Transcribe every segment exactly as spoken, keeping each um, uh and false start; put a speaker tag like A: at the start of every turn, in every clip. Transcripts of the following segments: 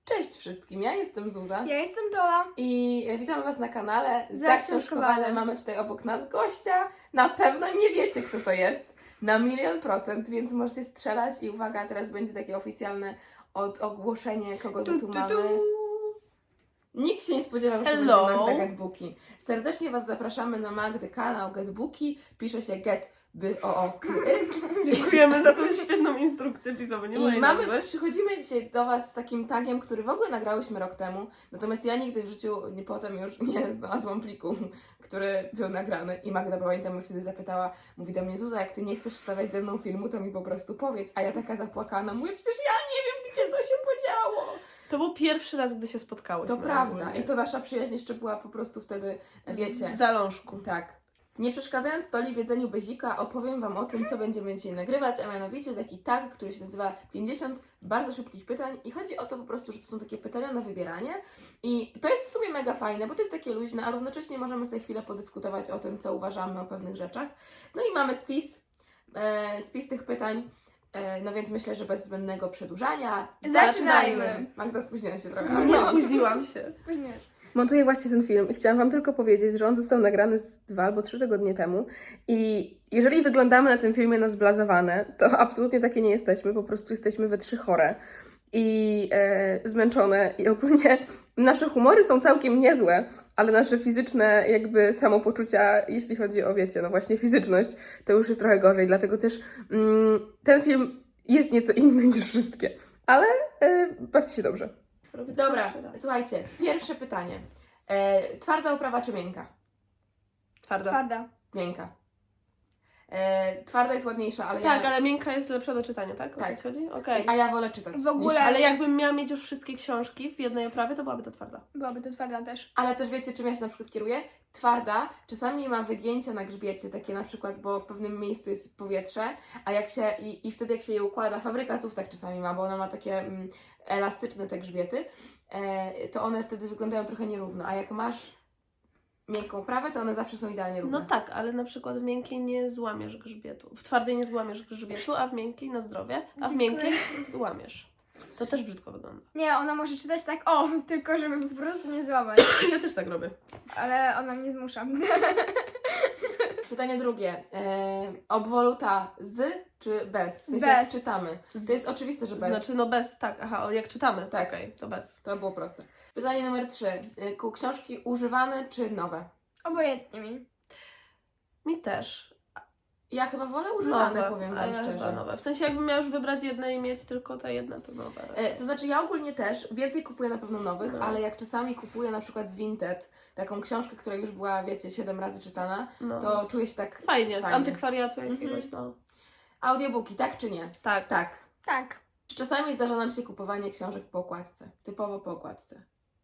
A: Cześć wszystkim, ja jestem Zuza
B: Ja jestem Dola.
A: i witamy Was na kanale
B: Zaksiążkowane.
A: Zaksiążkowane. Mamy tutaj obok nas gościa. Na pewno nie wiecie, kto to jest. Na milion procent, więc możecie strzelać i uwaga, teraz będzie takie oficjalne od ogłoszenie, kogo tu, tu mamy. Nikt się nie spodziewał, że to będzie
C: Hello.
A: Magda Getbooki. Serdecznie Was zapraszamy na Magdy kanał Getbooki. Pisze się Get by o o k y.
C: Dziękujemy za tą świetną instrukcję pisową. Nie
A: I
C: mojej
A: mamy,
C: nazwy.
A: przychodzimy dzisiaj do Was z takim tagiem, który w ogóle nagrałyśmy rok temu, natomiast ja nigdy w życiu nie, potem już nie znalazłam pliku, który był nagrany i Magda pamiętam mnie wtedy zapytała, mówi do mnie: Zuza, jak Ty nie chcesz wstawiać ze mną filmu, to mi po prostu powiedz, a ja taka zapłakana, mówię, przecież ja nie wiem, gdzie to się podziało.
C: To był pierwszy raz, gdy się spotkałyśmy.
A: To prawda
C: ogólnie.
A: i to nasza przyjaźń jeszcze była po prostu wtedy, wiecie.
C: W zalążku.
A: Tak. Nie przeszkadzając Toli w jedzeniu bezika, opowiem Wam o tym, co będziemy dzisiaj nagrywać, a mianowicie taki tag, który się nazywa pięćdziesiąt bardzo szybkich pytań i chodzi o to po prostu, że to są takie pytania na wybieranie i to jest w sumie mega fajne, bo to jest takie luźne, a równocześnie możemy sobie chwilę podyskutować o tym, co uważamy o pewnych rzeczach. No i mamy spis, e, spis tych pytań, e, no więc myślę, że bez zbędnego przedłużania
B: Zaczynajmy.
A: Magda, spóźniła się trochę.
C: No, nie spóźniłam się.
B: Spóźniłeś.
A: Montuję właśnie ten film i chciałam Wam tylko powiedzieć, że on został nagrany z dwa albo trzy tygodnie temu i jeżeli wyglądamy na tym filmie na zblazowane, to absolutnie takie nie jesteśmy, po prostu jesteśmy we trzy chore i e, zmęczone i ogólnie nasze humory są całkiem niezłe, ale nasze fizyczne jakby samopoczucia, jeśli chodzi o, wiecie, no właśnie fizyczność, to już jest trochę gorzej, dlatego też mm, ten film jest nieco inny niż wszystkie, ale e, bawcie się dobrze.
C: Robię to
A: Dobra,
C: pierwszy raz.
A: słuchajcie, pierwsze pytanie. E, twarda oprawa czy miękka?
C: Twarda.
B: Twarda.
A: Miękka. E, twarda jest ładniejsza, ale
C: Tak,
A: ja...
C: ale miękka jest lepsza do czytania, tak? O
A: Tak.
C: to ci chodzi? Okej.
A: A ja wolę czytać.
B: W ogóle-
A: Niż...
C: Ale jakbym miała mieć już wszystkie książki w jednej oprawie, to byłaby to twarda.
B: Byłaby to twarda też.
A: Ale też wiecie, czym ja się na przykład kieruję? Twarda czasami ma wygięcia na grzbiecie, takie na przykład, bo w pewnym miejscu jest powietrze, a jak się, i, i wtedy jak się je układa, fabryka słów tak czasami ma, bo ona ma takie mm, elastyczne te grzbiety, e, to one wtedy wyglądają trochę nierówno, a jak masz miękką oprawę, to one zawsze są idealnie równe.
C: No tak, ale na przykład w miękkiej nie złamiesz grzbietu. W twardej nie złamiesz grzbietu, a w miękkiej na zdrowie, a w
B: Dziękuję.
C: miękkiej złamiesz. To też brzydko wygląda.
B: Nie, ona może czytać tak o, tylko żeby po prostu nie złamać.
C: Ja też tak robię.
B: Ale ona mnie zmusza.
A: Pytanie drugie. E, obwoluta z czy bez? W sensie
B: Bez.
A: jak czytamy. To jest oczywiste, że bez.
C: Znaczy, no bez, tak, aha, o, jak czytamy.
A: Tak.
C: Okej, to bez.
A: To było proste. Pytanie numer trzy. E, ku- książki używane czy nowe?
B: Obojętnie mi.
C: Mi też.
A: Ja chyba wolę używane,
C: Nowe,
A: powiem
C: a
A: Wam
C: ja chyba
A: szczerze.
C: nowe. W sensie jakbym miała już wybrać jedne i mieć tylko te jedna, to nowe.
A: E, to znaczy ja ogólnie też więcej kupuję na pewno nowych,
C: No.
A: ale jak czasami kupuję na przykład z Vinted taką książkę, która już była, wiecie, siedem razy czytana,
C: No.
A: to czuję się tak
C: Fajnie, z
A: fajnie.
C: antykwariatu
A: Mhm.
C: jakiegoś, no.
A: Audiobooki, tak czy nie?
C: Tak.
A: Tak.
B: Tak.
A: Czy czasami zdarza nam się kupowanie książek po okładce? Typowo po okładce.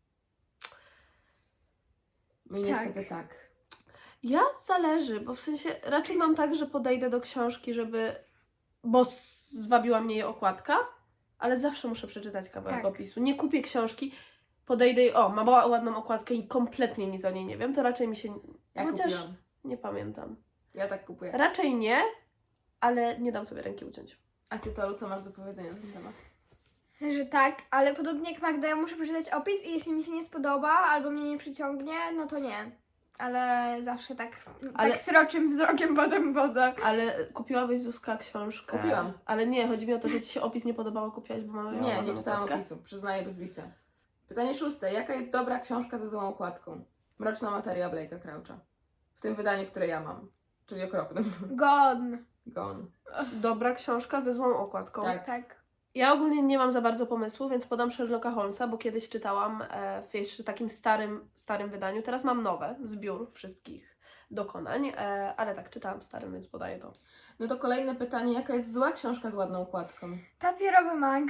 A: Mi
B: Tak.
A: niestety tak.
C: Ja zależy, bo w sensie raczej mam tak, że podejdę do książki, żeby... Bo zwabiła mnie jej okładka, ale zawsze muszę przeczytać kawałek
B: Tak.
C: opisu. Nie kupię książki, podejdę i o, ma była ładną okładkę i kompletnie nic o niej nie wiem, to raczej mi się...
A: Ja
C: Chociaż
A: kupiłam.
C: nie pamiętam.
A: Ja tak kupuję.
C: Raczej nie, ale nie dam sobie ręki uciąć.
A: A Ty, Tolu, co masz do powiedzenia na ten temat?
B: Że tak, ale podobnie jak Magda, ja muszę przeczytać opis i jeśli mi się nie spodoba albo mnie nie przyciągnie, no to nie. Ale zawsze tak,
C: Ale-
B: tak sroczym wzrokiem potem wodzę.
C: Ale kupiłabyś, Zuzka, książkę?
A: Kupiłam.
C: Ale nie, chodzi mi o to, że Ci się opis nie podobało, kupiłaś, bo mamy ją
A: Nie, nie
C: ładną
A: czytałam
C: okładkę?
A: opisu, przyznaję bez bicia. Pytanie szóste. Jaka jest dobra książka ze złą okładką? Mroczna materia Blake'a Croucha. W tym wydaniu, które ja mam. Czyli okropnym.
B: Gone.
A: Gone.
C: Dobra książka ze złą okładką.
A: Tak.
B: Tak.
C: Ja ogólnie nie mam za bardzo pomysłu, więc podam Sherlocka Holmesa, bo kiedyś czytałam e, w jeszcze takim starym, starym wydaniu. Teraz mam nowe, zbiór wszystkich dokonań, e, ale tak, czytałam starym, więc podaję to.
A: No to kolejne pytanie. Jaka jest zła książka z ładną okładką?
B: Papierowy mag.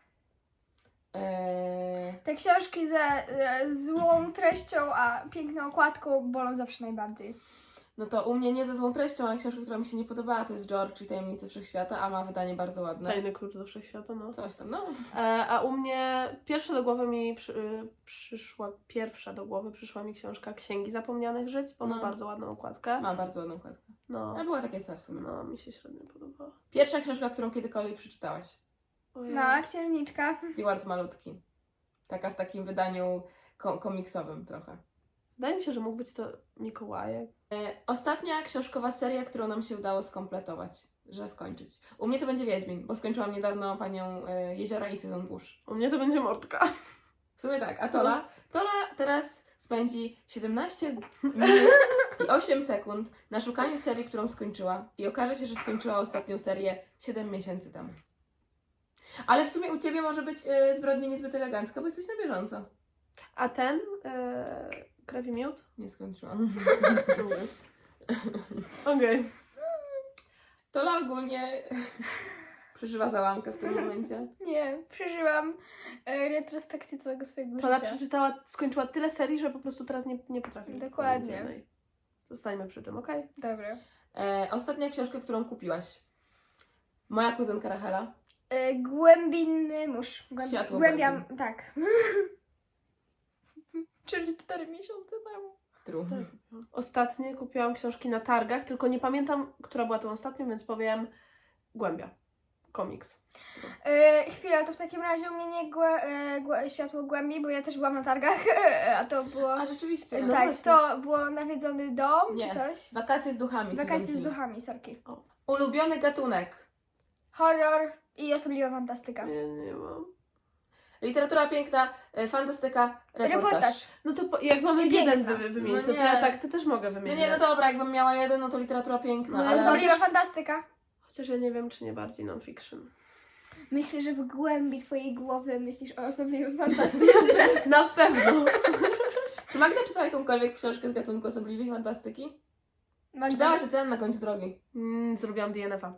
A: Eee,
B: Te książki ze e, złą treścią, a piękną okładką bolą zawsze najbardziej.
A: no to u mnie nie ze złą treścią, ale książka, która mi się nie podobała, to jest George i Tajemnice Wszechświata, a ma wydanie bardzo ładne.
C: Tajny klucz do wszechświata, no.
A: Coś tam, no.
C: E, a u mnie pierwsza do głowy mi przy, y, przyszła, pierwsza do głowy przyszła mi książka Księgi Zapomnianych Żyć, bo ma
A: No.
C: bardzo ładną okładkę.
A: Ma bardzo ładną okładkę.
C: No,
A: A była takie w sumie.
C: no, mi się średnio podobała.
A: Pierwsza książka, którą kiedykolwiek przeczytałaś.
C: Ojej.
B: Mała księżniczka.
A: Stewart Malutki. Taka w takim wydaniu ko- komiksowym trochę.
C: Wydaje mi się, że mógł być to Mikołajek.
A: E, ostatnia książkowa seria, którą nam się udało skompletować, że skończyć. U mnie to będzie Wiedźmin, bo skończyłam niedawno Panią e, Jeziora i Sezon Burz.
C: U mnie to będzie Mordka.
A: W sumie tak, a Tola? Tola teraz spędzi siedemnaście minut i osiem sekund na szukaniu serii, którą skończyła i okaże się, że skończyła ostatnią serię siedem miesięcy temu. Ale w sumie u Ciebie może być e, zbrodnia niezbyt elegancka, bo jesteś na bieżąco.
C: A ten? E, krew i miód?
A: Nie skończyłam.
C: Okej. Okay.
A: Tola ogólnie przeżywa załamkę w tym momencie.
B: Nie, przeżyłam e, retrospekcję całego swojego
C: Tola
B: życia.
C: przeczytała, skończyła tyle serii, że po prostu teraz nie, nie potrafi.
B: Dokładnie.
C: powiedzieć jednej. Zostańmy przy tym, okej? Okay?
B: Dobra.
A: E, ostatnia książka, którą kupiłaś. Moja kuzynka Rachela.
B: E, głębinny mórz. Głęb...
A: Światło
B: Głębiam, tak. Czyli cztery miesiące temu.
A: True.
C: Ostatnio kupiłam książki na targach, tylko nie pamiętam, która była tą ostatnią, więc powiem Głębia. Komiks.
B: E, chwila, to w takim razie u mnie nie głę, e, głę, światło głębi, bo ja też byłam na targach, a to było...
A: A rzeczywiście.
C: No
B: tak,
C: właśnie.
B: to było nawiedzony dom,
A: Nie.
B: czy coś?
A: Wakacje z duchami.
B: Wakacje
A: Susan
B: z
A: Hill.
B: duchami, sorki.
A: Ulubiony gatunek.
B: Horror i osobliwa fantastyka.
C: Nie, nie mam.
A: Literatura piękna, e, fantastyka, reportaż.
B: Reportaż.
C: No to po, jak mamy
B: I
C: jeden
B: piękna.
C: wy, wymienić,
A: No
C: no to
A: nie.
C: ja tak, ty też mogę
A: No
C: wymienić.
A: nie, no dobra, jakbym miała jeden, no to literatura piękna,
C: No,
A: ale...
C: są-
B: Osobliwa fantastyka.
C: Chociaż ja nie wiem, czy nie bardziej non-fiction.
B: Myślę, że w głębi twojej głowy myślisz o osobliwej fantastyce.
C: Na pewno.
A: Czy Magda czytała jakąkolwiek książkę z gatunku osobliwej fantastyki? Czytałaś Ocean na końcu drogi.
C: Mm, zrobiłam D N F a.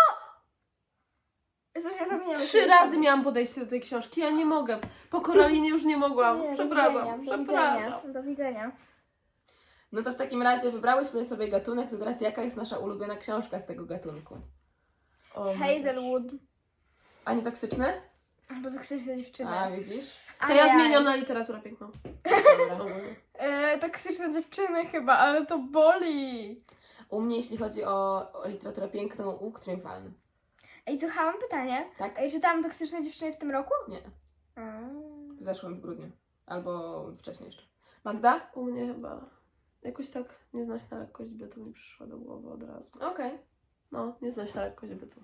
B: Zuzia, zamieniamy
C: Trzy
B: się
C: razy miałam podejście do tej książki, ja nie mogę. Po Koralinie już nie mogłam.
B: Nie, do
C: Przepraszam,
B: widzenia, do
C: przepraszam.
B: widzenia, do widzenia.
A: No to w takim razie wybrałyśmy sobie gatunek, to teraz jaka jest nasza ulubiona książka z tego gatunku?
C: O, mój
B: Hazelwood.
A: A nie toksyczne?
B: Albo toksyczne dziewczyny.
A: A, widzisz?
C: To ja zmieniam na literaturę piękną.
A: Dobra.
B: E, toksyczne dziewczyny chyba, ale to boli.
A: U mnie, jeśli chodzi o, o literaturę piękną, łuk triumfalny.
B: Ej, słuchaj, mam pytanie.
A: Tak?
B: Ej, czytałam toksyczne dziewczyny w tym roku?
A: Nie.
B: A.
A: W zeszłym, w grudniu. Albo wcześniej jeszcze. Magda?
C: U mnie chyba jakoś tak nieznośna lekkość bytu mi przyszła do głowy od razu.
A: Okej.
C: No, nieznośna lekkość bytu.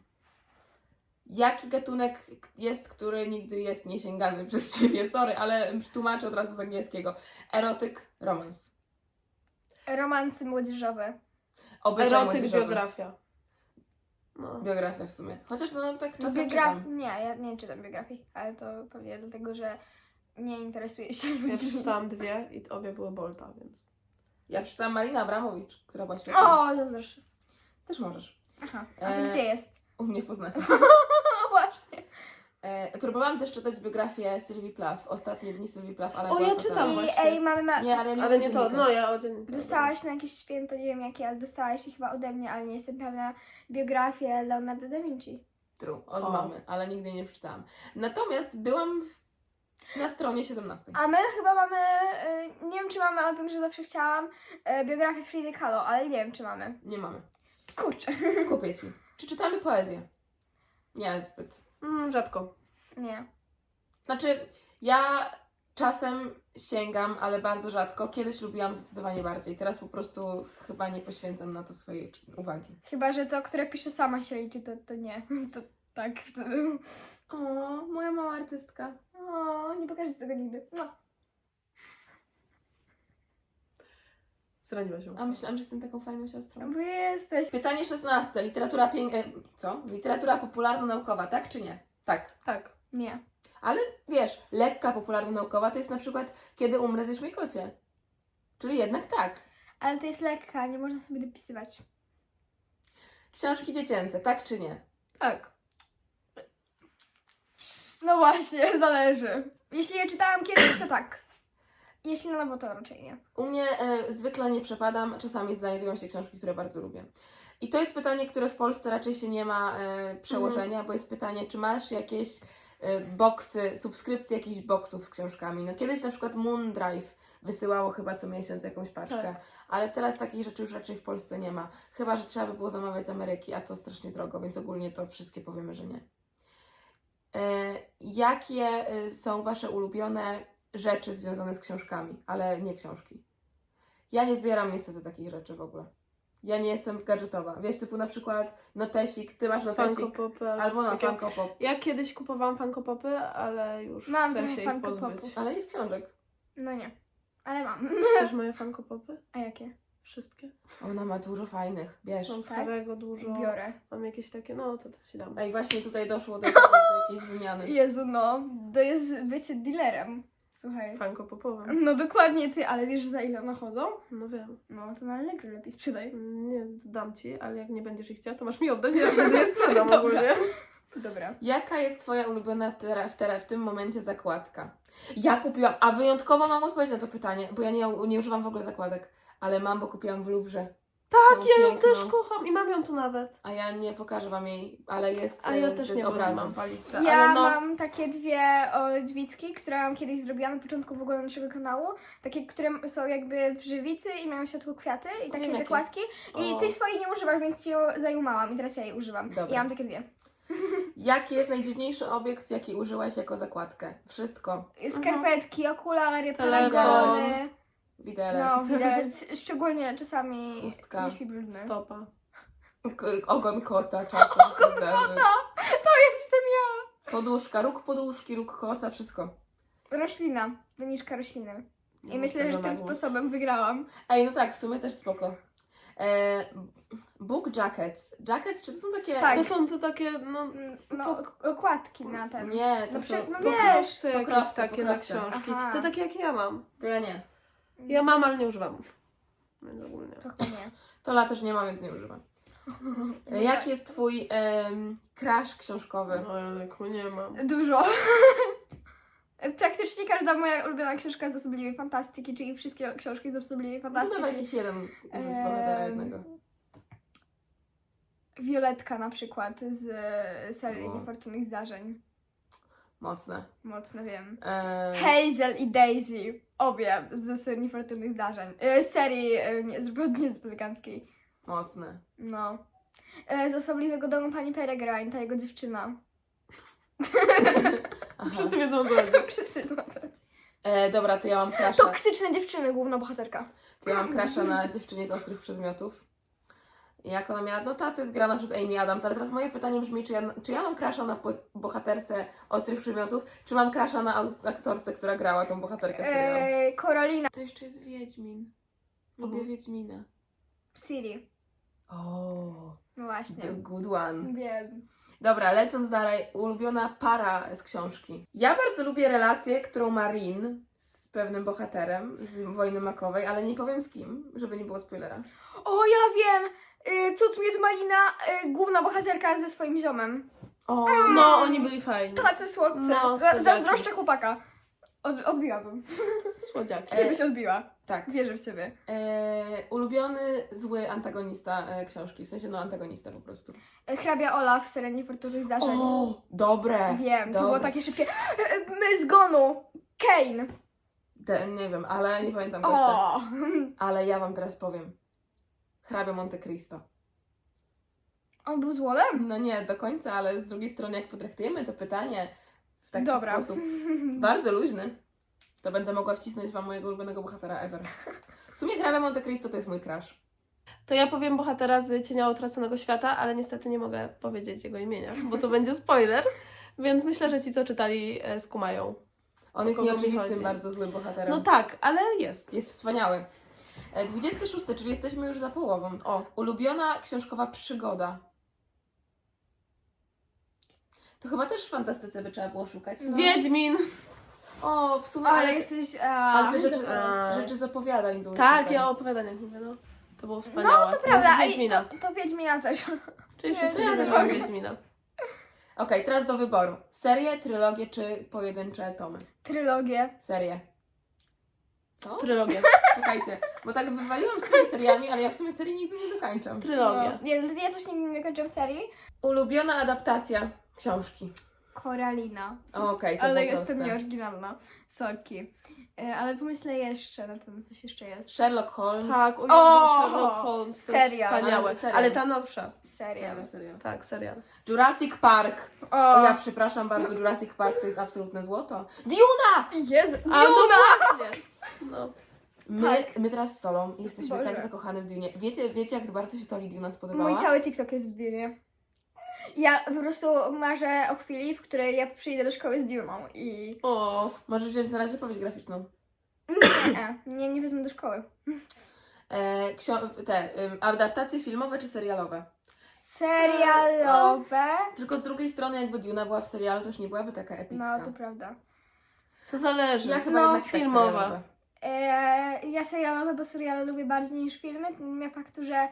A: Jaki gatunek jest, który nigdy jest niesięgany przez Ciebie? Sorry, ale tłumaczę od razu z angielskiego. Erotyk, romans.
B: Romansy młodzieżowe.
A: Obyczaj
C: Erotyk,
A: młodzieżowy.
C: biografia. No.
A: Biografia w sumie. Chociaż no tak czasem
B: Biograf...
A: czytam.
B: Nie, ja nie czytam biografii, ale to pewnie dlatego, że nie interesuję się
C: Ja
B: ludźmi.
C: przeczytałam dwie i obie były Bolta, więc...
A: Ja przeczytałam Marina Abramowicz, która była świetna.
B: O, to zresztą.
A: Też możesz.
B: Aha, a to
A: E,
B: gdzie jest?
A: U mnie w Poznaniu.
B: O, właśnie.
A: E, próbowałam też czytać biografię Sylwii Plath. Ostatnie dni Sylwii Plath, ale
C: O,
A: była
C: ja
A: fatalna.
C: czytam
B: I
C: właśnie.
B: ej, mamy ma...
A: Nie, ale ja nie
C: Ale
A: lubię
C: nie to,
A: dziennika.
C: no ja o dzienniku.
B: Dostałaś na jakieś święto, nie wiem jakie, ale dostałaś je chyba ode mnie, ale nie jestem pewna, biografię Leonardo da Vinci.
A: True, od
C: O.
A: mamy, ale nigdy jej nie przeczytałam. Natomiast byłam w, na stronie siedemnastej.
B: A my chyba mamy, y, nie wiem czy mamy, ale wiem, że zawsze chciałam y, biografię Fridy Kahlo, ale nie wiem czy mamy.
A: Nie mamy.
B: Kurczę.
A: Kupię Ci. Czy czytamy poezję? Nie, zbyt.
C: Mm, rzadko.
B: Nie.
A: Znaczy, ja czasem sięgam, ale bardzo rzadko. Kiedyś lubiłam zdecydowanie bardziej. Teraz po prostu chyba nie poświęcam na to swojej uwagi.
B: Chyba, że to, które pisze sama się liczy, to, to nie. To tak. wtedy.
A: O, moja mała artystka.
B: O, nie pokażę ci tego nigdy. No.
C: Zraniła się.
A: A myślałam, że jestem taką fajną siostrą.
B: Bo jesteś.
A: Pytanie szesnaste. Literatura pięk... e, Co? Literatura popularno-naukowa, tak czy nie? Tak.
C: Tak.
B: Nie.
A: Ale wiesz, lekka popularno-naukowa to jest na przykład Kiedy umrę, zjesz mój kocie. Czyli jednak tak.
B: Ale to jest lekka, nie można sobie dopisywać.
A: Książki dziecięce, tak czy nie?
C: Tak.
B: No właśnie, zależy. Jeśli je czytałam kiedyś, to tak. Jeśli na nowo, to raczej nie.
A: U mnie e, zwykle nie przepadam, czasami znajdują się książki, które bardzo lubię. I to jest pytanie, które w Polsce raczej się nie ma e, przełożenia,
C: Mhm.
A: bo jest pytanie, czy masz jakieś e, boksy, subskrypcje jakichś boksów z książkami. No kiedyś na przykład Moondrive wysyłało chyba co miesiąc jakąś paczkę,
C: Tak.
A: ale teraz takich rzeczy już raczej w Polsce nie ma. Chyba, że trzeba by było zamawiać z Ameryki, a to strasznie drogo, więc ogólnie to wszystkie powiemy, że nie. jakie y, są wasze ulubione rzeczy związane z książkami, ale nie książki? Ja nie zbieram niestety takich rzeczy w ogóle. Ja nie jestem gadżetowa. Wiesz, typu na przykład notesik, ty masz notesik,
C: Funko Popy albo,
A: albo
C: coś
A: na
C: takiego.
A: Funko Pop.
C: Ja kiedyś kupowałam Funko Popy, ale już
B: Mam
C: chcę
B: trochę
C: się ich
B: Funko
C: pozbyć.
B: Popów.
A: Ale jest książek.
B: No nie, ale mam.
C: Chcesz moje Funko Popy?
B: A jakie?
C: Wszystkie.
A: Ona ma dużo fajnych, wiesz.
C: Mam z
B: Tak?
C: Harry'ego dużo.
B: Biorę.
C: Mam jakieś takie, no to, to ci dam.
A: Ej, właśnie tutaj doszło do, do jakiejś wymiany.
B: Jezu, no, to jest bycie dealerem. Słuchaj.
C: Funko Popowym.
B: No dokładnie ty, ale wiesz za ile one chodzą?
C: No wiem.
B: No to na Allegro lepiej sprzedaj.
C: Nie, dam ci, ale jak nie będziesz ich chciała, to masz mi oddać, ja wtedy je sprzedam
B: Dobra.
C: ogólnie.
B: Dobra.
A: Jaka jest twoja ulubiona tera, w, tera, w tym momencie zakładka? Ja kupiłam, a wyjątkowo mam odpowiedź na to pytanie, bo ja nie, nie używam w ogóle zakładek, ale mam, bo kupiłam w Louvre.
C: Tak,
A: Tą
C: ja ją
A: piękną.
C: też kocham i mam ją tu nawet.
A: A ja nie pokażę wam jej, ale jest
C: A ja
A: e,
C: też
A: z
C: nie
A: obrazem.
C: mam walizce,
B: Ja
C: ale no...
B: mam takie dwie odwicki, które mam kiedyś zrobiła na początku w ogóle naszego kanału. Takie, które są jakby w żywicy i mają w środku kwiaty i takie
A: jakie.
B: zakładki. I
C: O.
B: ty swojej nie używasz, więc ci ją zajumałam i teraz ja jej używam.
A: Dobra.
B: I ja mam takie dwie.
A: Jaki jest najdziwniejszy obiekt, jaki użyłaś jako zakładkę? Wszystko.
B: Skarpetki, okulary,
C: Telefon.
B: paragony.
A: Widelec.
B: No, widać. Szczególnie czasami,
A: Chustka.
B: jeśli brudne.
C: Stopa.
A: K- ogon kota czasem się zdarzy.
B: To jestem ja!
A: Poduszka, róg poduszki, róg koca, wszystko.
B: Roślina. Doniczka rośliny. I
C: Nie
B: myślę,
C: mam
B: że
C: tego
B: tym
C: na głos.
B: sposobem wygrałam.
A: Ej, no tak, w sumie też spoko. E, book jackets. Jackets, czy to są takie...
B: Tak.
C: To są to takie, no...
B: Mm, No, ok- okładki na ten.
A: Nie, to
B: No,
A: są...
B: przy, no
A: pokro-
B: wiesz.
C: Pokrowce jakieś
A: pokrowce,
C: takie na
A: pokrowce.
C: książki.
B: Aha.
C: To takie jak ja mam.
A: To ja nie.
C: Ja mam, ale nie używam. Więc ogólnie.
B: To chyba nie.
A: Tola też nie ma, więc nie używam. E, Jaki jest twój em, crush książkowy?
C: No Jolku, nie mam.
B: Dużo. Praktycznie każda moja ulubiona książka z osobliwej fantastyki, czyli wszystkie książki z osobliwej
A: No to
B: fantastyki.
A: dawaj jakiś jeden użyć bohatera
B: Em,
A: jednego.
B: Violetka na przykład z e, serii
A: O.
B: Niefortunnych Zdarzeń.
A: Mocne.
B: Mocno wiem.
A: E,
B: Hazel i Daisy. Obie z serii Niefortunnych Zdarzeń. E, z serii e, nie, zbyt- niezbyt eleganckiej.
A: Mocne.
B: No. E, z Osobliwego Domu Pani Peregrine, ta jego dziewczyna.
A: Aha.
C: Wszyscy wiedzą o co chodzi.
B: Wszyscy wiedzą, o co chodzi.
A: E, dobra, to ja mam crusha.
B: Toksyczne dziewczyny, główna bohaterka.
A: To ja mam crusha na dziewczynie z ostrych przedmiotów. I jak ona miała, no ta co jest grana przez Amy Adams, ale teraz moje pytanie brzmi, czy ja, czy ja mam crusha na po- bohaterce ostrych przedmiotów, czy mam crusha na au- aktorce, która grała tą bohaterkę w serialu?
B: E, Korolina.
A: To jeszcze jest Wiedźmin. Lubię
C: Mhm.
A: Wiedźmina.
B: Siri.
A: O,
B: No właśnie.
A: the good one.
B: Wiem.
A: Dobra, lecąc dalej, ulubiona para z książki. Ja bardzo lubię relację, którą ma Rin z pewnym bohaterem z Wojny Makowej, ale nie powiem z kim, żeby nie było spoilera.
B: O, ja wiem! Y, Cud Miód Malina, y, główna bohaterka ze swoim ziomem.
A: O,
C: No, oni byli fajni.
B: Tacy słodcy.
C: No,
B: Za-
C: słodziaki.
B: Zazdroszczę chłopaka. Od, odbiłabym.
C: Słodziaki.
B: Ty byś odbiła.
A: tak.
B: Wierzę w ciebie.
A: E, ulubiony zły antagonista e, książki, w sensie no antagonista po prostu.
B: Y, Hrabia Olaf w serii Niefortunnych Zdarzeń.
A: O, dobre.
B: Wiem, to
A: dobre.
B: było takie szybkie. Y, My zgonu! Kane!
A: Te, nie wiem, ale nie pamiętam gościa.
B: O!
A: Ale ja wam teraz powiem. Hrabia Monte Cristo.
B: On był złolem?
A: No nie do końca, ale z drugiej strony jak potraktujemy to pytanie w taki
B: Dobra.
A: sposób bardzo luźny, to będę mogła wcisnąć wam mojego ulubionego bohatera ever. W sumie Hrabia Monte Cristo to jest mój crush.
C: To ja powiem bohatera z Cienia Utraconego Świata, ale niestety nie mogę powiedzieć jego imienia, bo to będzie spoiler, więc myślę, że ci, co czytali, e, skumają.
A: On
C: O
A: jest
C: kogo mi
A: nieoczywistym,
C: chodzi?
A: bardzo złym bohaterem.
C: No tak, ale jest.
A: Jest wspaniały. E, dwudziesty szósty, czyli jesteśmy już za połową.
C: O,
A: Ulubiona książkowa przygoda. To chyba też w fantastyce by trzeba było szukać. co?
C: Wiedźmin!
A: O, w sumie,
B: Ale
A: ale,
B: jesteś... A,
A: ale te rzeczy,
C: A.
A: rzeczy z opowiadań były
C: Tak,
A: super.
C: ja o opowiadaniach mówię, no. To było wspaniałe.
B: No, to prawda.
C: Więc
B: Ej,
C: Wiedźmina.
B: to, to Wiedźmina też.
C: Czyli
B: Nie,
C: wszyscy
B: to ja
C: się
B: też
C: też mamy
B: mogę.
C: Wiedźmina.
A: Okej, teraz do wyboru. Serie, trylogie czy pojedyncze tomy?
B: Trylogię.
A: Serie. Co?
C: Trylogia.
A: Czekajcie, bo tak wywaliłam z tymi seriami, ale ja w sumie serii nigdy nie dokończam.
C: Trylogia.
B: No. Ja, ja też nigdy nie kończyłam serii.
A: Ulubiona adaptacja książki.
B: Koralina.
A: Okej, to
B: Ale
A: było
B: jestem
A: proste.
B: nieoryginalna. Sorki. E, Ale pomyślę jeszcze, na pewno coś jeszcze jest.
A: Sherlock Holmes.
C: Tak, o,
B: O!
C: Jezu, Sherlock Holmes, to jest
B: Serial.
C: wspaniałe.
A: Ale serial.
C: Ale ta nowsza.
B: Serial.
A: Serial, serial.
C: Tak, serial.
A: Jurassic Park.
B: O,
A: O, ja przepraszam bardzo, Jurassic Park to jest absolutne złoto. Duna!
B: Jezu,
C: A no
B: Duna!
C: właśnie! No.
A: My,
B: Tak.
A: my teraz z Solą jesteśmy
B: Boże.
A: tak zakochane w Dunie. Wiecie, wiecie, jak bardzo się Toli Duna spodobała?
B: Mój cały TikTok jest w Dunie. Ja po prostu marzę o chwili, w której ja przyjdę do szkoły z Duną i...
C: O,
A: Możesz wziąć na razie powieść graficzną.
B: Nie, nie, nie wezmę do szkoły.
A: E, ksio- te, ym, adaptacje filmowe czy serialowe?
B: Serialowe.
A: Tylko z drugiej strony, jakby Duna była w serialu, to już nie byłaby taka epicka.
B: No, to prawda.
C: to zależy.
A: Ja chyba
B: No,
A: jednak tak
C: filmowe.
A: serialowe.
B: E, ja serialowe, bo seriale lubię bardziej niż filmy, to nie ma faktu, że...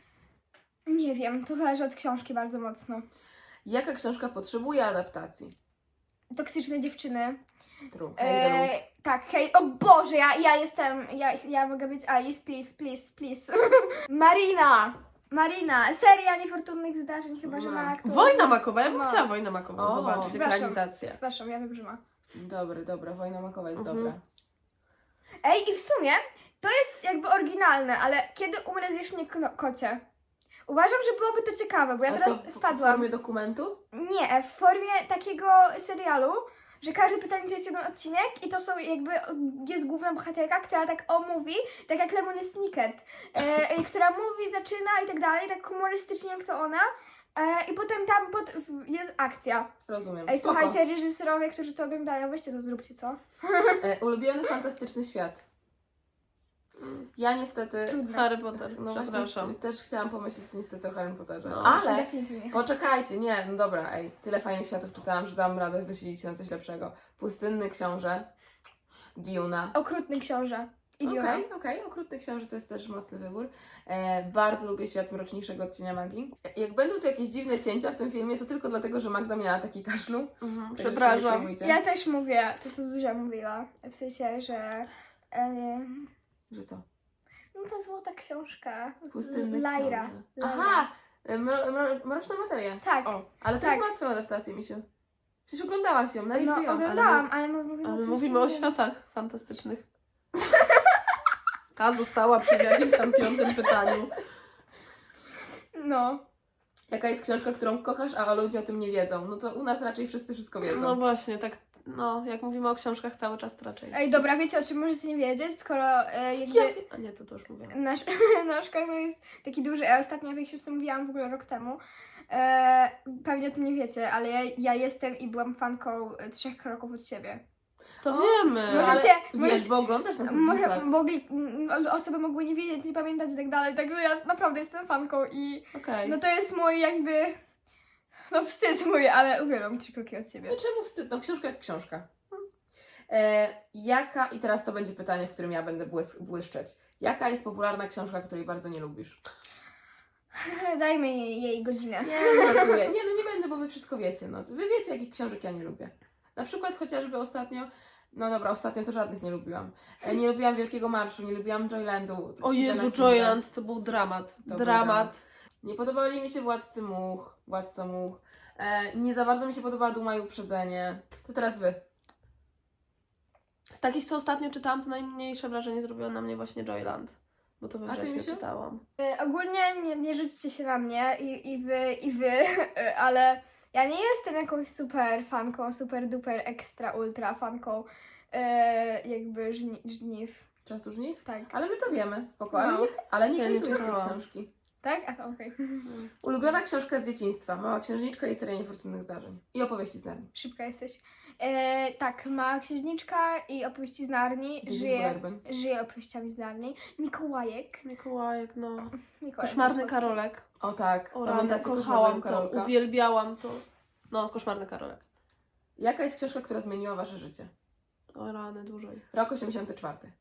B: Nie wiem, to zależy od książki bardzo mocno.
A: Jaka książka potrzebuje adaptacji?
B: Toksyczne dziewczyny.
A: True.
B: E,
A: Hazelwood.
B: tak, hej, o Boże, ja, ja jestem, ja, ja mogę być Alice, please, please, please. Marina! Marina, seria niefortunnych zdarzeń, chyba że ma aktor.
C: Wojna makowa, ja bym
B: No.
C: chciała Wojnę makową
A: O,
C: zobaczyć,
B: przepraszam.
C: ekranizację.
B: Przepraszam, ja wiem, że ma.
A: Dobry, dobra, Wojna makowa jest
C: Mhm.
A: dobra.
B: Ej, i w sumie to jest jakby oryginalne, ale kiedy umrę, zjesz mnie kno- kocie. Uważam, że byłoby to ciekawe, bo ja
A: A
B: teraz
A: to w, w
B: wpadłam.
A: formie dokumentu?
B: Nie, w formie takiego serialu, że każdy pytanie to jest jeden odcinek i to są jakby, jest główna bohaterka, która tak o mówi, tak jak Lemony Snicket, e, która mówi, zaczyna i tak dalej, tak humorystycznie jak to ona. E, I potem tam pod, w- jest akcja.
A: Rozumiem.
B: Ej,
A: Spoko.
B: słuchajcie, reżyserowie, którzy to oglądają, weźcie to, zróbcie, co?
A: E, ulubiony fantastyczny świat. Ja niestety...
B: Trudne.
C: Harry Potter, no
A: Właśnie
C: przepraszam.
A: też chciałam pomyśleć niestety o Harry Potterze.
C: No.
A: Ale
B: Definitywnie.
A: poczekajcie, nie, no dobra, ej, tyle fajnych światów czytałam, że dam radę wysilić się na coś lepszego. Pustynny książę, Duna.
B: Okrutny książę. I Duna.
A: Okej, okej, Okrutny książę to jest też mocny wybór. E, bardzo lubię świat mroczniejszego odcienia magii. Jak będą tu jakieś dziwne cięcia w tym filmie, to tylko dlatego, że Magda miała taki kaszlu.
C: Mhm,
A: Także się nie
C: przepraszam.
A: przejmujcie.
B: Ja też mówię to, co Zuzia mówiła. W sensie, że... E,
A: Że co?
B: no ta złota książka.
A: Pustynny
B: Lyra.
A: książę.
B: Lyra.
A: Aha! e, Mro, mro, mroczna materia.
B: Tak.
C: O,
A: Ale to
B: Tak.
A: już ma swoją adaptację, Misiu. Przecież oglądałaś ją na
B: No,
A: H B O.
B: oglądałam, ale my mówimy,
C: ale
B: o czymś
C: mówimy o
B: innym.
C: światach fantastycznych. Ta została przy jakimś tam piątym pytaniu.
B: No.
A: Jaka jest książka, którą kochasz, a ludzie o tym nie wiedzą? No to u nas raczej wszyscy wszystko wiedzą.
C: No właśnie, tak, no, jak mówimy o książkach cały czas to raczej.
B: Ej, dobra, wiecie o czym możecie nie wiedzieć, skoro e, jakby
C: Ja, a nie, to to już mówiłam.
B: nasz, nasz kanał jest taki duży, ja ostatnio o tej książce mówiłam w ogóle rok temu. E, pewnie o tym nie wiecie, ale ja, ja jestem i byłam fanką e, Trzech kroków od siebie.
C: To
A: O,
C: wiemy.
A: No, ale
B: Możecie-
A: wiesz,
B: możecie-
A: bo oglądasz nas od dwóch
B: Może
A: lat.
B: mogli, m, osoby mogły nie wiedzieć, nie pamiętać i tak dalej, także ja naprawdę jestem fanką i
C: Okej.
B: no to jest mój jakby, no wstyd mój, ale uwielbiam Trzy kroki od siebie.
A: No czemu wstyd? No książka jak książka. E, jaka, i teraz to będzie pytanie, w którym ja będę błys- błyszczeć. Jaka jest popularna książka, której bardzo nie lubisz?
B: Dajmy jej, jej godzinę.
A: Nie, żartuję. Nie, no nie będę, bo wy wszystko wiecie. No. Wy wiecie, jakich książek ja nie lubię. Na przykład chociażby ostatnio, no dobra, ostatnio to żadnych nie lubiłam. E, nie lubiłam Wielkiego Marszu, nie lubiłam Joylandu.
C: O
A: Stephena
C: Jezu,
A: Kinga.
C: Joyland, to był dramat.
A: był
C: dramat.
A: Nie podobali mi się Władcy Much, Władca Much. E, nie za bardzo mi się podobała Duma i Uprzedzenie. To teraz wy.
C: Z takich, co ostatnio czytałam, to najmniejsze wrażenie zrobiło na mnie właśnie Joyland. Bo to we
A: A ty,
C: wrześniu
A: Misiu?
C: czytałam.
B: E, Ogólnie nie, nie rzućcie się na mnie i, i wy, i wy, e, ale ja nie jestem jakąś super fanką, super duper ekstra ultra fanką e, jakby żni, żniw,
A: Czasu żniw?
B: tak.
A: Ale my to wiemy, spoko.
B: No.
A: Ale nie, ale nie
C: Ja nie
A: hejtujesz tej
C: czytałam.
A: książki.
B: Tak? A to okej.
A: Ulubiona książka z dzieciństwa. Mała księżniczka i seria niefortunnych zdarzeń. I opowieści z nami.
B: Szybka jesteś. E, tak, Mała księżniczka i opowieści z Narni.
A: Gdzieś z
B: Żyje,
A: Bullerbyn.
B: żyje opowieściami z Narni. Mikołajek.
C: Mikołajek, no.
B: Mikołajek
C: Koszmarny
B: słodki.
C: Karolek.
A: O tak.
C: O rany,
A: Pamiętacie
C: kochałam
A: Koszmarnego
C: to,
A: Karolka?
C: uwielbiałam to. No, Koszmarny Karolek.
A: Jaka jest książka, która zmieniła wasze życie?
C: O rany, dużo ich.
A: Rok osiemdziesiąty czwarty.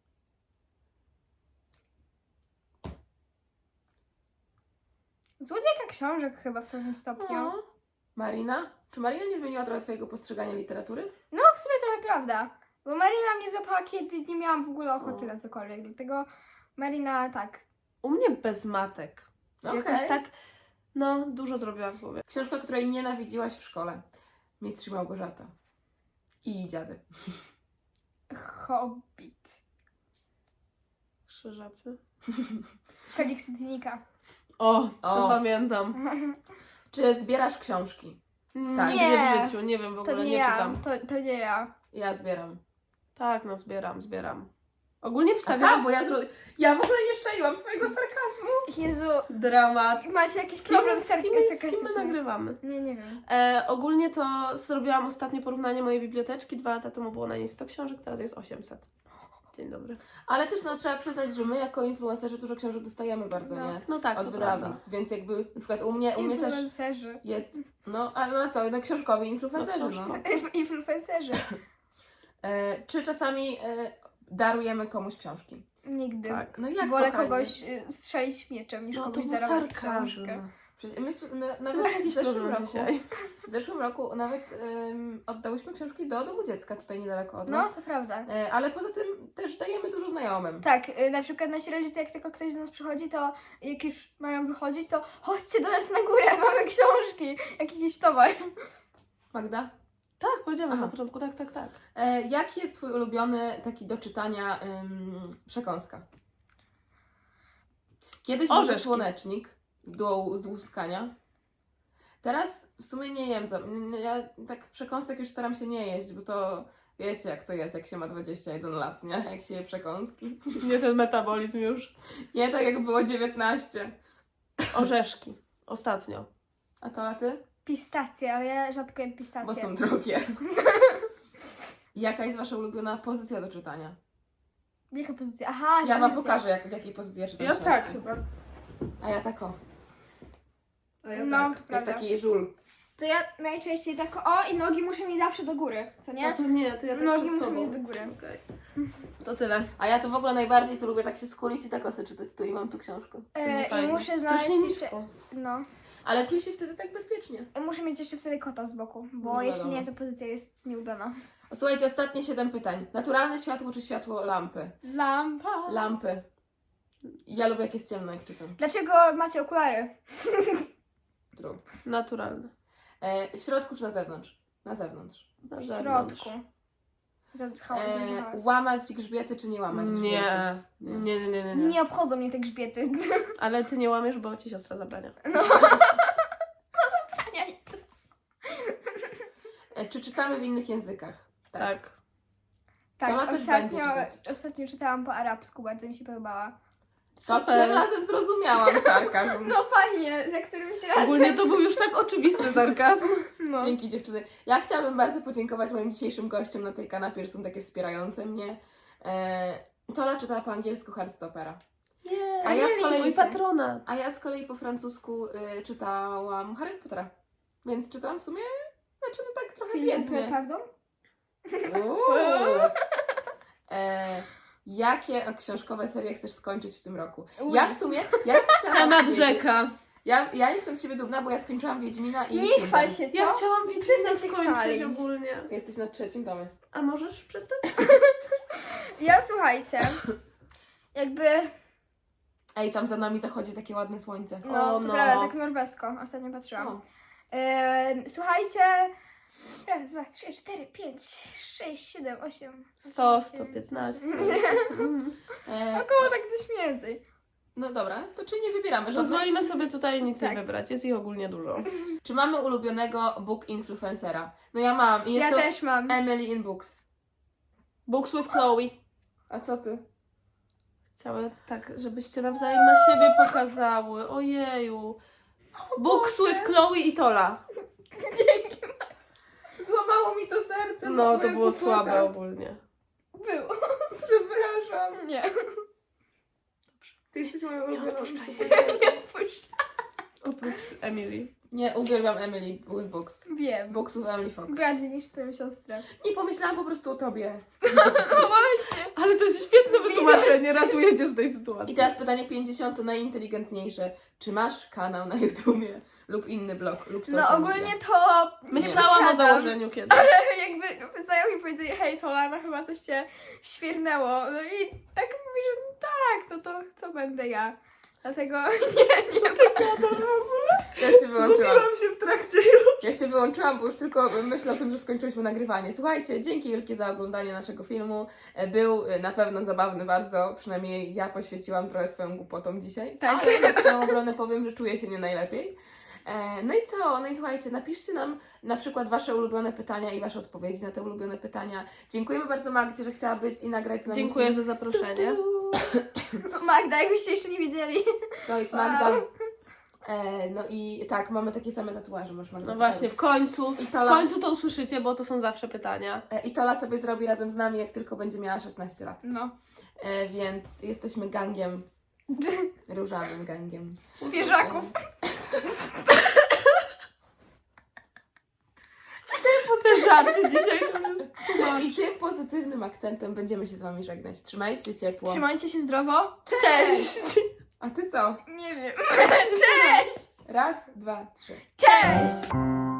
B: Złodziejka książek chyba w pewnym stopniu.
C: No.
A: Marina? Czy Marina nie zmieniła trochę twojego postrzegania literatury?
B: No, w sumie trochę prawda. Bo Marina mnie złapała, kiedy nie miałam w ogóle ochoty
C: No.
B: na cokolwiek. Dlatego Marina tak.
C: U mnie bez matek.
A: Okej.
C: Jakoś tak, no, dużo zrobiła w głowie.
A: Książka, której nienawidziłaś w szkole. Mistrz i Małgorzata. I dziady.
B: Hobbit.
C: Krzyżacy.
B: Felix Dziennika.
C: O, to
A: O.
C: pamiętam.
A: Czy zbierasz książki? Tak.
C: Nigdy
B: Nie.
C: w życiu, nie wiem, w
B: To
C: ogóle
B: nie,
C: nie,
B: ja.
C: czytam.
B: To, to nie ja.
A: Ja zbieram.
C: Tak, no zbieram, zbieram. Ogólnie
A: Aha,
C: wstawiam
A: bo ja zro... Ja w ogóle nie szczaiłam twojego sarkazmu.
B: Jezu,
C: dramat.
B: macie jakiś
C: Z kim,
B: problem
C: z
B: z
C: kim, z kim my
B: sarkastyczny?
C: nagrywamy?
B: Nie, nie wiem.
C: E, ogólnie to zrobiłam ostatnie porównanie mojej biblioteczki. Dwa lata temu było na niej sto książek, teraz jest osiemset. Dzień dobry.
A: Ale też no, trzeba przyznać, że my jako influencerzy dużo książek dostajemy bardzo,
B: No.
A: nie?
C: No tak,
A: Od
C: to
A: wydawnictw, więc jakby na przykład u mnie, u mnie też
B: Influencerzy.
A: jest, no ale no co, no książkowi influencerzy,
C: No,
A: no.
C: książkowi.
B: Inf- Influencerzy.
A: E, czy czasami e, darujemy komuś książki?
B: Nigdy.
C: Tak.
A: No jak,
B: Wolę
A: kochani?
B: kogoś y, strzelić mieczem, niż
C: No to
B: komuś
C: był
B: darować
C: sarkazm.
B: książkę.
A: Przecież my, my
C: Ty
A: nawet
C: masz
A: w
C: jakiś
A: zeszłym
C: problem
A: roku,
C: dzisiaj.
A: w zeszłym roku nawet em, oddałyśmy książki do domu dziecka, tutaj niedaleko od
B: No,
A: nas.
B: to prawda.
A: E, ale poza tym też dajemy dużo znajomym.
B: Tak, y, na przykład nasi rodzice, jak tylko ktoś do nas przychodzi, to jak już mają wychodzić, to chodźcie do nas na górę, mamy książki, jak jakiś towar.
A: Magda?
C: Tak, powiedziałam
A: Aha.
C: na początku, tak, tak, tak.
A: E, jaki jest twój ulubiony taki do czytania em, przekąska? Kiedyś był
C: Orzeszki.
A: słonecznik do zdłuskania. Teraz w sumie nie jem. Za, n- ja tak przekąsek już staram się nie jeść, bo to wiecie jak to jest, jak się ma dwadzieścia jeden lat, nie? Jak się je przekąski.
C: Nie ten metabolizm już.
A: Nie tak jak było dziewiętnaście.
C: Orzeszki. Ostatnio.
A: A to laty?
B: Pistacje, ale ja rzadko jem pistacje.
A: Bo są drogie. Jaka jest wasza ulubiona pozycja do czytania?
B: Jaka pozycja? Aha,
A: Ja wam
B: pozycja.
A: pokażę, jak, w jakiej pozycji ja czytam
C: Ja
A: książki.
C: tak chyba.
A: A ja tak o.
C: A ja
B: No,
C: tak.
B: to
A: Jak
B: prawda.
A: taki żul.
B: To ja najczęściej tak, o, i nogi muszę mieć zawsze do góry, co nie?
C: No to nie, to ja tak
B: Nogi
C: przed
B: muszę
C: sobą.
B: mieć do góry.
C: Okej. To tyle.
A: A ja to w ogóle najbardziej to lubię tak się skulić i tak o sobie czytać. Tu i mam tu książkę.
C: To
B: E,
C: nie
B: I
C: fajnie.
B: muszę znaleźć
C: Strasznie
B: jeszcze,
C: nisko.
B: no,
A: Ale czuję się wtedy tak bezpiecznie.
B: muszę mieć jeszcze wtedy kota z boku, bo
A: No
B: jeśli
A: wiadomo.
B: nie, to pozycja jest nieudana.
A: O, słuchajcie, ostatnie siedem pytań. Naturalne światło czy światło lampy?
B: Lampa.
A: Lampy. Ja lubię jak jest ciemno, jak czytam.
B: Dlaczego macie okulary?
A: True.
C: Naturalne.
A: E, w środku czy na zewnątrz? Na zewnątrz.
C: Na
B: W
C: zewnątrz.
B: środku. Za- cha-
A: E,
B: za- za-
A: łamać grzbiety czy nie łamać grzbiety?
C: Nie. Nie, nie, nie, nie, nie.
B: Nie obchodzą mnie te grzbiety.
C: Ale ty nie łamiesz, bo ci siostra zabrania.
A: E, czy czytamy w innych językach?
C: Tak.
B: Tak,
A: Tola też będzie
B: ostatnio,
A: czytać.
B: ostatnio czytałam po arabsku, bardzo mi się podobała.
A: To tym razem zrozumiałam sarkazm.
B: No fajnie, za którymś razem.
C: Ogólnie to był już tak oczywisty sarkazm.
B: No.
A: Dzięki dziewczyny. Ja chciałabym bardzo podziękować moim dzisiejszym gościom na tej kanapie, że są takie wspierające mnie. E, Tola czytała po angielsku Heartstopera.
C: Nie,
A: A ja z kolei-
C: mój patronat.
A: A ja z kolei po francusku y, czytałam Harry Pottera. Więc czytałam w sumie, znaczy no tak trochę
B: Silny,
A: biednie.
B: prawdą?
A: Uuu. E, jakie książkowe serie chcesz skończyć w tym roku?
B: Uj.
A: Ja w sumie, ja chciałam
C: Temat
A: powiedzieć-
C: rzeka.
A: Ja, ja jestem z siebie dumna, bo ja skończyłam Wiedźmina i
B: Nie
A: Sinbad.
B: chwal się, co?
C: Ja chciałam
B: Przestań
C: Wiedźmina
B: się
C: skończyć
B: chwalić.
C: ogólnie.
A: Jesteś na trzecim tomie.
C: A możesz przestać?
B: Ja słuchajcie, jakby,
A: Ej, tam za nami zachodzi takie ładne słońce.
B: no,
C: O,
B: to
C: no.
B: prawda, tak norwesko, ostatnio patrzyłam.
A: O.
B: Em, słuchajcie, raz, dwa, trzy, cztery, pięć, sześć, siedem, osiem,
C: sto, sto piętnaście. Mm.
A: E,
B: około tak gdzieś mniej więcej.
A: no dobra, to czy nie wybieramy żadnych?
C: Pozwolimy sobie tutaj nic
B: Tak.
C: nie wybrać, jest ich ogólnie dużo.
A: Czy mamy ulubionego book influencera? No ja mam. I jest
B: Ja
A: to
B: też mam.
A: Emily in Books.
C: Books with Chloe.
A: A co ty?
C: Chciały tak, żebyście nawzajem na siebie pokazały. Ojeju. Books with Chloe i Tola.
B: Dzięki.
A: Złamało mi to serce.
C: No,
A: mogłem
C: to było
A: popłakać.
C: słabe ogólnie.
B: Było.
A: Przepraszam.
B: Nie.
A: Ty jesteś moją ulubioną
C: odpuszczaj.
A: influencerką.
B: Puść.
C: Oprócz Emily.
A: Nie, uwielbiam Emily with Books.
B: Wiem.
A: Books with Emily Fox.
B: Bardziej niż twoją siostrę.
A: Nie pomyślałam po prostu o tobie.
B: No właśnie.
C: Ale to jest świetne wytłumaczenie,
B: Widać.
C: ratujecie z tej sytuacji.
A: I teraz pytanie pięćdziesiąte, najinteligentniejsze. Czy masz kanał na YouTubie lub inny blog lub social
B: No ogólnie
A: media?
B: to
C: Myślałam o
B: posiadam.
C: założeniu kiedyś.
B: Jakby znajomi powiedzieli, hej Tola, chyba coś cię świernęło. No i tak mówi, że tak, no to co będę ja. Dlatego nie, nie
A: Ja się wyłączyłam.
C: Zgubiłam się w trakcie.
A: Ja się wyłączyłam, bo już tylko myślę o tym, że skończyłyśmy nagrywanie. Słuchajcie, dzięki wielkie za oglądanie naszego filmu. Był na pewno zabawny bardzo, przynajmniej ja poświęciłam trochę swoją głupotą dzisiaj.
B: Tak.
A: Ale na swoją obronę powiem, że czuję się nie najlepiej. E, No i co? No i słuchajcie, napiszcie nam na przykład Wasze ulubione pytania i Wasze odpowiedzi na te ulubione pytania. Dziękujemy bardzo Magdzie, że chciała być i nagrać z nami
C: Dziękuję
A: film.
C: za zaproszenie.
B: Magda, jakbyście jeszcze nie widzieli.
A: To jest Magda. E, no i tak, mamy takie same tatuaże, masz Magda.
C: No właśnie, w końcu,
A: I
C: w
A: Tola,
C: końcu to usłyszycie, bo to są zawsze pytania.
A: e, I Tola sobie zrobi razem z nami, jak tylko będzie miała szesnaście lat.
B: No.
A: E, więc jesteśmy gangiem, różowym gangiem.
B: Świeżaków.
C: Te żarty dzisiaj to jest...
A: I tym pozytywnym akcentem będziemy się z Wami żegnać. Trzymajcie się ciepło.
B: Trzymajcie się zdrowo.
C: Cześć!
A: A Ty co?
B: Nie wiem. Cześć!
A: Raz, dwa, trzy.
B: Cześć!